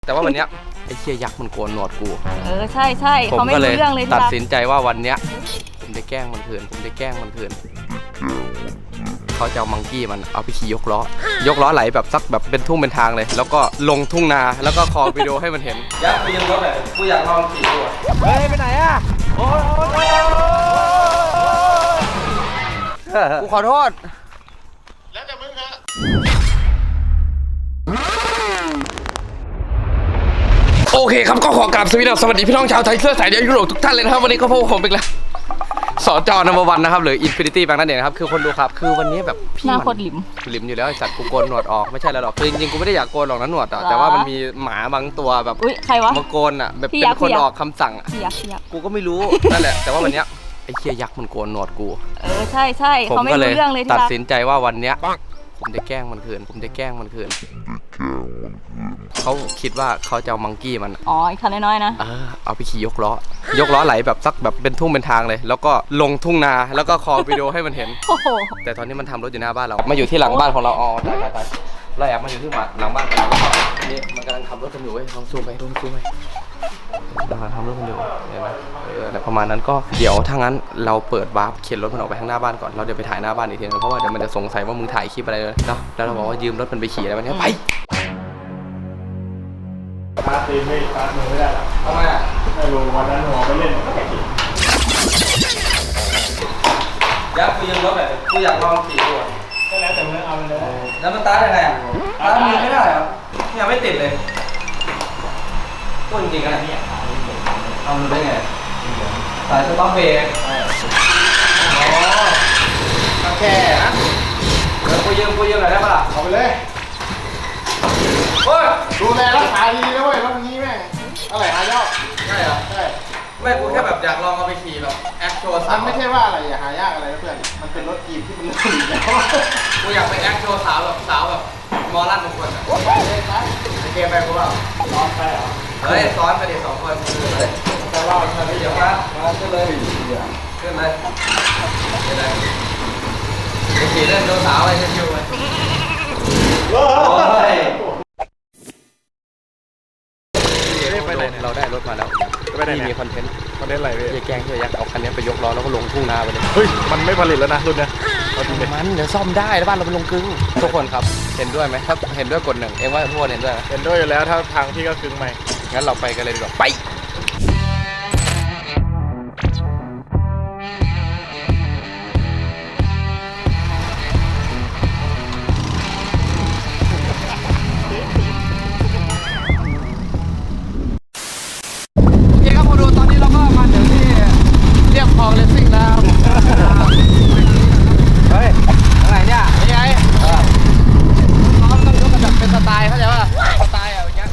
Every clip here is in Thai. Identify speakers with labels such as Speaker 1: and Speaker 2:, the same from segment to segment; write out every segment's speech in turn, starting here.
Speaker 1: แต่ว่าวันเนี้ยไอ้เชี่ยยักษ์มันโกนหนวดกู
Speaker 2: ใช่ใช่เขาไม่รู้เรื่องเลย
Speaker 1: ตัดสินใจว่าวันเนี้ยผมจะแกล้งมันคืนเขาจะเอามังกี้มันเอาไปขี่ยกล้อไหลแบบซักแบบเป็นทุ่งเป็นทางเลยแล้วก็ลงทุ่งนาแล้วก็คอวิดีโอให้มันเห็นยักษ์ไปยังรถเลยกูอยากลองขี่ดูเฮ้ยไปไหนอ่ะโอ้ยกูขอโทษแล้วแต่มึงฮะโอเคครับก็ขอกราบสวัสดีพี่น้องชาวไทยเสื้อสายเดียวยุโรปทุกท่านเลยนะครับวันนี้ก็พบกับผมอีกแล้วสจนัมเบอร์ 1นะครับหรือ Infinity Bank นั่นเองนะครับคือคนดูครับคือวันนี้แบบพี่หน้าโคตรหลิมอยู่แล้วไอสัตว์กูโกนหนวดออกไม่ใช่แล้วหรอกคือจริงๆกูไม่ได้อยากโกนหรอกนะหนวดแต่ว่ามันมีหมาบางตัวแบบ
Speaker 2: ใครวะ
Speaker 1: มาโกนอ่ะแบบเป็นคนออกคำสั่งอ่ะกูก็ไม่รู้นั่นแหละแต่ว่าวันเนี้ยไอ้เชี่ยยักษ์มันโกนหนวดกู
Speaker 2: ใช่ใช่เขาไม่รู้เรื่องเลย
Speaker 1: ตัดสินใจว่าวันเนี้ยผมจะแกล้งมันคืนเขาคิดว่าเขาจะเอามังกี้มัน
Speaker 2: อีกคันน้อยๆนะ
Speaker 1: เอาไปขี่ยกล้อไหลแบบซักแบบเป็นทุ่งเป็นทางเลยแล้วก็ลงทุ่งนาแล้วก็คอวิดีโอให้มันเห็นแต่ตอนนี้มันทำรถอยู่หน้าบ้านเรามาอยู่ที่หลังบ้านของเราตายเราแอบมาอยู่ที่หลังบ้านของเรานี่มันกำลังขับรถกันอยู่เว้ยลองซูมไปกำลังทำรถกันอยู่เห็นไหมแต่ประมาณนั้นก็เดี๋ยวถ้างั้นเราเปิดวาร์ปเข็นรถมันออกไปข้างหน้าบ้านก่อนเราเดี๋ยวไปถ่ายหน้าบ้านอีกทีนึงเพราะว่าเดี๋ยวมันจะสงสัยว่ามึงถ่ายคลิปอะไรเลยเนาะแล้วเราบอกว่ายืมรถมันไปขี่อะไรวันนี้ไป
Speaker 3: ปาตีไม่ปามือไม่ได้หรอ
Speaker 1: ทำไมอ่ะ
Speaker 3: ไม่รู้วันนั้นหัวไปเล่นก็แข่ง
Speaker 1: ยักษ์กูยืมรถแบบกูอยากลองขี่ดู
Speaker 3: ก็แล้วแต่มึงเอาไปเลย
Speaker 1: แล้วมันตายังไงอ่ะตามือไม่ได้เหรอเนี่ยไม่ติดเลยพูดจริงๆนะเนี่ยเอาดูได้ไงสายสต็อปเบรกก็แค่นะเดี๋ยวกูยืมหน่อยได้ปะล่ะ
Speaker 3: เอาไปเลยดูแลรักษาดีนะเว้ยรถนี้แม่งอะไรหายาก
Speaker 1: ใช่เหรอใช่ไม่กูแค่แบบอยากลองเอาไปขี่แบบแอคโชว์
Speaker 3: มันไม่ใช่ว่าอะไรอย่าหายากอะไรนะเพื่อนมันเป็นรถกีบที่มันหลุดแล้ว
Speaker 1: กูอยากไปแอคโชว์สาวแบบมอลั่นทุกคนอะเกมไปกูเปล่า
Speaker 3: ซ้อนไปเหรอ
Speaker 1: เฮ้ยซ้อนไปดิ2 คน
Speaker 3: แต่ว่ามันไม่
Speaker 1: เดี๋ยวมาขึ้นเลยไปขี่เล่นดูสาวอะไรชิวๆไปเราได้รถมาแล้วที่มีคอนเทนต์
Speaker 3: อะไรพี่
Speaker 1: แกล้งเฮียยักษ์เอาคันนี้ไปยกล้อแล้วก็ลงทุ่งนาไปเลย
Speaker 3: เฮ้ยมันไม่ผลิตแล้วนะรุ่นนี้
Speaker 1: มันเดี๋ยวซ่อมได้แล้วบ้านเราเป็นลงกึ่งทุกคนครับเห็นด้วยไหมถ้าเห็นด้วยกด 1เอ็งว่าทุกคนเห็นด้วย
Speaker 3: อยู่แล้วถ้าทางพี่ก็กึ่งใหม่
Speaker 1: งั้นเราไปกันเลยดีกว่าไปคลองเลสซิ่งแล้วเฮ้ยอะไรเนี่ยยังไงน้องต้องยกกันแบบเป็นสไตล์เข้าใจป่ะสไตล์อย่างเงี้ย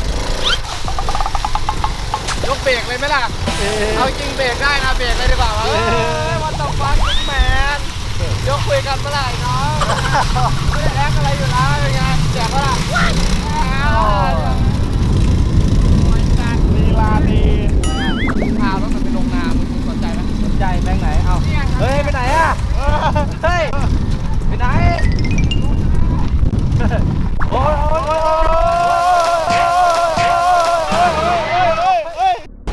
Speaker 1: ยกเบรกเลยไหมล่ะเอาจริงเบรกได้นะเบรกเลยดีกว่าวันต่อฟังแมนยกคุยกันเมื่อไหร่น้องไม่ได้แอคอะไรอยู่แล้วเป็นไงแจกเมื่อไหร่
Speaker 3: ลีลาดี
Speaker 1: พารถมันไปลงนาสนใจไหมสนใจแบงค์ไหนเอาเฮ้ยไปไหนอ่ะเฮ้ยไปไหนโอ้ย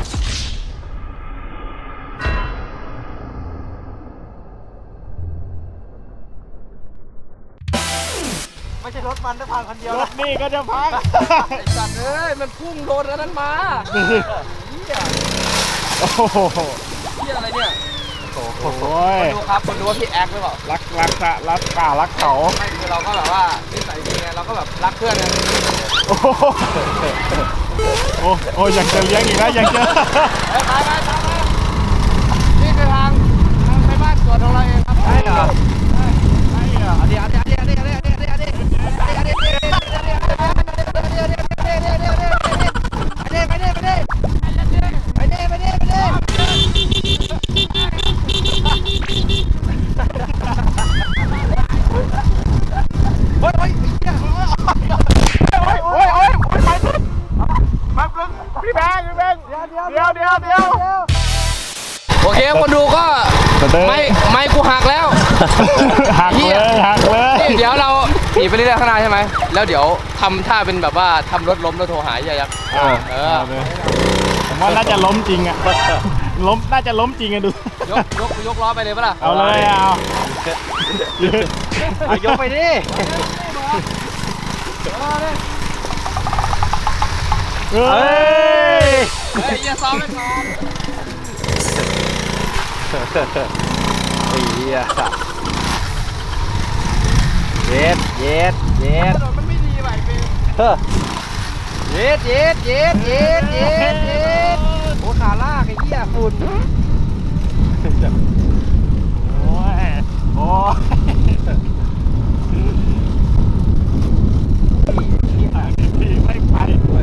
Speaker 1: ไม่ใช่รถมันจะพังคันเดียว
Speaker 3: รถนี่ก็จะพัง
Speaker 1: ไอ้สัตว์เอ้ยมันพุ่งโดนอันนั้นมา
Speaker 3: โอ้โห
Speaker 1: เหี้ยอะไรเนี่ย
Speaker 3: โอ้โห
Speaker 1: ดูครับคนดูว่าพี่แอคหรือเปล่า
Speaker 3: รักเขา
Speaker 1: ไม่คือเราก็แบบว่านิสัยดีไงเราก็แบบรักเพื่อนไง
Speaker 3: โอ้ยังจะเลี้ยงอีกนะยังจะ
Speaker 1: ไปนี่คือทางไปบ้านสวนของเราเองครับใช่เหรอเดี๋ยวโอเคคนดูก็ไม่กูหักแล้ว
Speaker 3: หักเลย
Speaker 1: เดี๋ยวเราขี่ไปเรื่อยๆข้างหน้าใช่ไหมแล้วเดี๋ยวทำท่าเป็นแบบว่าทำรถล้มแล้วโทรหาไอ้ยักษ์
Speaker 4: ผมว่าน่าจะล้มจริงอะล้มน่าจะล้มจริงอะดู
Speaker 1: ยกล้อไปเลยปะล่ะ
Speaker 4: เอาเลยเอา
Speaker 1: ยกไปดิ
Speaker 4: เฮ้ย
Speaker 1: อย่าซ้อมไม่พอ
Speaker 4: เย็ด
Speaker 1: มันไม่ดีไปเป็นเย็ดโอ้ขาลากไอ้เหี้ยฝุ่น
Speaker 4: โอ้ยไม่ไป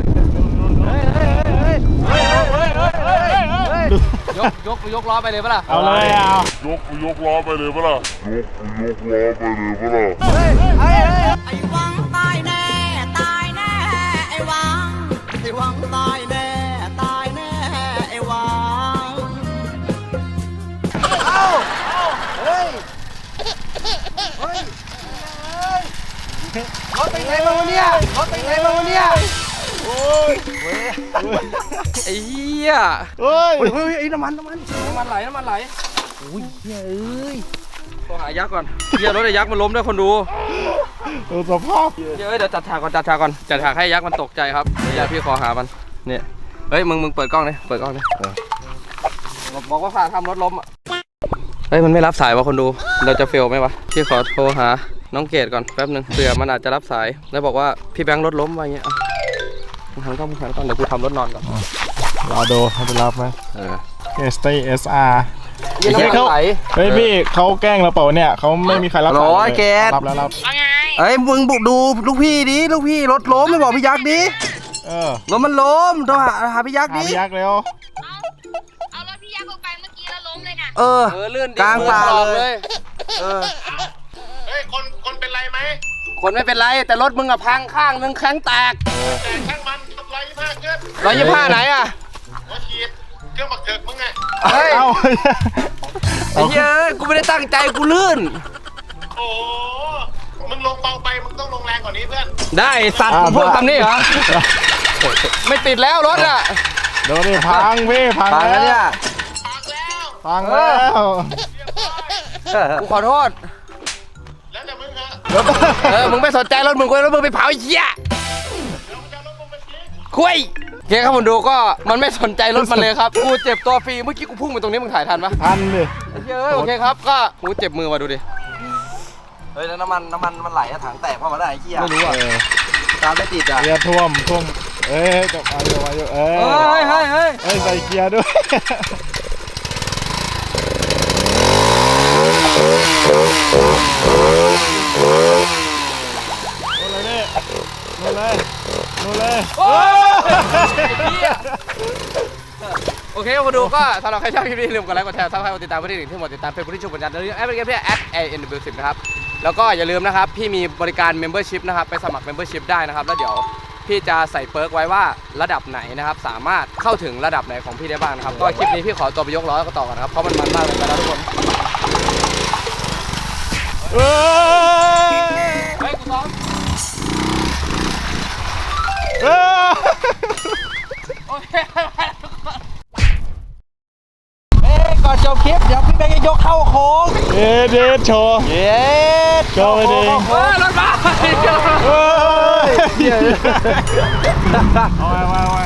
Speaker 1: ยกล้อไปเลยปะล่ะ
Speaker 4: เอาเลย
Speaker 3: ยกล้อไปเลยปะล่ะ
Speaker 5: ไอ้วังตายแน่ตายแน่ไอ้วังตายแน่ตายแน่ไอ้วัง
Speaker 1: รถไปไหนมาวะเนี่ยโอ้ยไอ้เหี้ยเฮ้ยไอ้น้ำมันไหลอุ้ยเฮ้ยโทรหายักษ์ก่อนเหี้ยรถไอ้ยักษ์มันล้มด้วยคนดู
Speaker 4: สภาพ
Speaker 1: เดี๋ยวจัดฉากก่อนจัดฉากให้ยักษ์มันตกใจครับเดี๋ยวพี่ขอหามันเนี่ยเฮ้ยมึงเปิดกล้องเลยบอกว่าฝ่าทำรถล้มอ่ะเฮ้ยมันไม่รับสายวะคนดูเราจะเฟลไหมวะพี่ขอโทรหาน้องเกดก่อนแป๊บนึงเผื่อมันอาจจะรับสายแล้วบอกว่าพี่แบงค์รถล้มอะไรเงี้ยมึงหันกล้องเดี๋ยวกูทำรถนอนก่อน
Speaker 4: รอดูเขาจะรับไหมStay SR
Speaker 1: เ
Speaker 4: ฮ้ยพี่เขาแกล้งเราเปล่าเนี่ยเขาไม่มีใครรับสายเลยรับแล้ว
Speaker 1: เฮ้ยมึงบุกดูลูกพี่ดิลูกพี่รถล้มไม่บอกพี่ยักษ์ดิรถมันล้มต้องหาพี่ยักษ์ดิ
Speaker 4: พี่ยักษ์เร็ว
Speaker 6: เอารถพี่ยักษ์ออกไปเมื่อกี้แล้วล้มเลยนะ
Speaker 1: ลื่นกลางป่าเลย
Speaker 3: เฮ้ยคนเป็นไรไหม
Speaker 1: คนไม่เป็นไรแต่รถมึงอะพังข้างนึงแข้งแตก
Speaker 3: แต่ข้างมัน125ขึ้น
Speaker 1: 125ไหนอะ
Speaker 3: หัวฉีดเครื่องบักเถิกมึงไง
Speaker 1: เฮ้ยไอ้เหี้ยกูไม่ได้ตั้งใจกูลื่น
Speaker 3: โอ้มึงลงเบาไปมึงต้องลงแรงกว่านี้เพื่อน
Speaker 1: ได้สัตว์พวกทำนี่เหรอไม่ติดแล้วรถอะ
Speaker 4: โดนดิพังพี่พังแล้วเนี่ยพังแล้ว
Speaker 1: กูขอโทษ
Speaker 3: แล้วแต่มึง
Speaker 1: มึงไม่สนใจรถมึงไปเผาไอ้เหี้ยคุยโอเคครับผมดูก็มันไม่สนใจรถมันเลยครับกูเจ็บตัวฟรีเมื่อกี้กูพุ่งไปตรงนี้มึงถ่ายทันปะ
Speaker 4: ทันดิ
Speaker 1: โอเคครับก็กูเจ็บมือมาดูดิเฮ้ยแล้วน้ำมันมันไหลถังแตกเพราะมันได้ไอ้เหี้ยไม่รู้อ่ะตามไม่ติดอ่ะ
Speaker 4: เกียร์ท่วมจบมาอยู่เฮ้ยใส่เกียร์ด้วยนู่นเลย
Speaker 1: โอเคมาดูก็สำหรับใครชอบคลิปนี้ลืมกดไลค์กดแชร์ซับสไครต์กดติดตามเพื่อนที่หมดติดตามเฟซบุ๊กที่ชุบปัญญาแล้วแอปพลิเคชัน@ANW10 นะครับแล้วก็อย่าลืมนะครับพี่มีบริการ Membership นะครับไปสมัคร Membership ได้นะครับแล้วเดี๋ยวพี่จะใส่เปิร์กไว้ว่าระดับไหนนะครับสามารถเข้าถึงระดับไหนของพี่ได้บ้างนะครับก็คลิปนี้พี่ขอตัวไปยกล้อแล้วก็ต่อกันนะครับเพราะมันมากเลยไปแล้วทุกคนเฮ้ยกูซ้อมโอเคก่อนจบคลิปเดี๋ยวพี่แบงค์จะยกเข้าโค้ง
Speaker 4: เด็ดโชว์โชว์ไปดิ
Speaker 1: รถมา
Speaker 4: เอาไว้